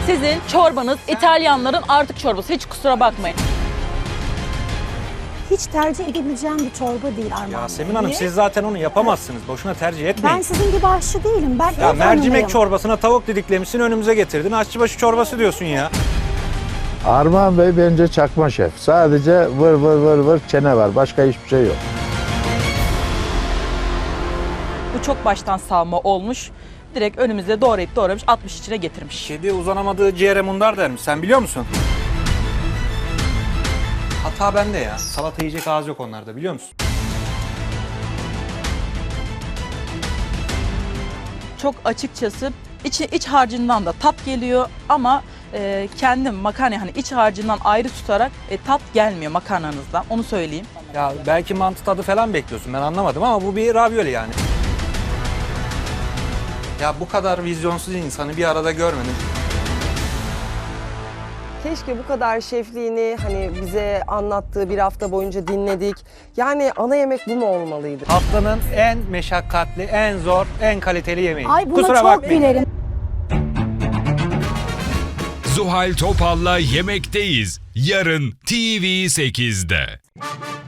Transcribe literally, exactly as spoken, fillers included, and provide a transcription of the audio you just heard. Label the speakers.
Speaker 1: Sizin çorbanız İtalyanların artık çorbası. Hiç kusura bakmayın.
Speaker 2: Hiç tercih edebileceğim bir çorba değil Armağan Bey.
Speaker 3: Yasemin Hanım
Speaker 2: Niye?
Speaker 3: siz zaten onu yapamazsınız. Boşuna tercih etmeyin.
Speaker 2: Ben sizin gibi aşçı değilim. Ben
Speaker 3: Ya
Speaker 2: ev
Speaker 3: mercimek
Speaker 2: hanımıyım.
Speaker 3: çorbasına tavuk didiklemişsin önümüze getirdin. Aşçıbaşı çorbası diyorsun ya.
Speaker 4: Armağan Bey bence çakma şef. Sadece vır vır vır vır çene var. Başka hiçbir şey yok.
Speaker 1: Bu çok baştan savma olmuş. Direkt önümüze doğrayıp doğramış atmış içine getirmiş.
Speaker 3: Kedi uzanamadığı ciğere mundar dermiş. Sen biliyor musun? Hata bende ya. Salata yiyecek ağız yok onlarda biliyor musun?
Speaker 1: Çok açıkçası iç, iç harcından da tat geliyor ama e, kendim makarna hani iç harcından ayrı tutarak e, tat gelmiyor makarnanızdan. Onu söyleyeyim.
Speaker 3: Ya belki mantı tadı falan bekliyorsun ben anlamadım ama bu bir ravioli yani. Ya bu kadar vizyonsuz insanı bir arada görmedim.
Speaker 5: Keşke bu kadar şefliğini hani bize anlattığı bir hafta boyunca dinledik. Yani ana yemek bu mu olmalıydı?
Speaker 3: Haftanın en meşakkatli, en zor, en kaliteli yemeği.
Speaker 2: Ay buna
Speaker 3: Kusura
Speaker 2: çok
Speaker 3: bakmayın.
Speaker 2: gülerim.
Speaker 6: Zuhal Topal'la Yemekteyiz. Yarın T V sekizde.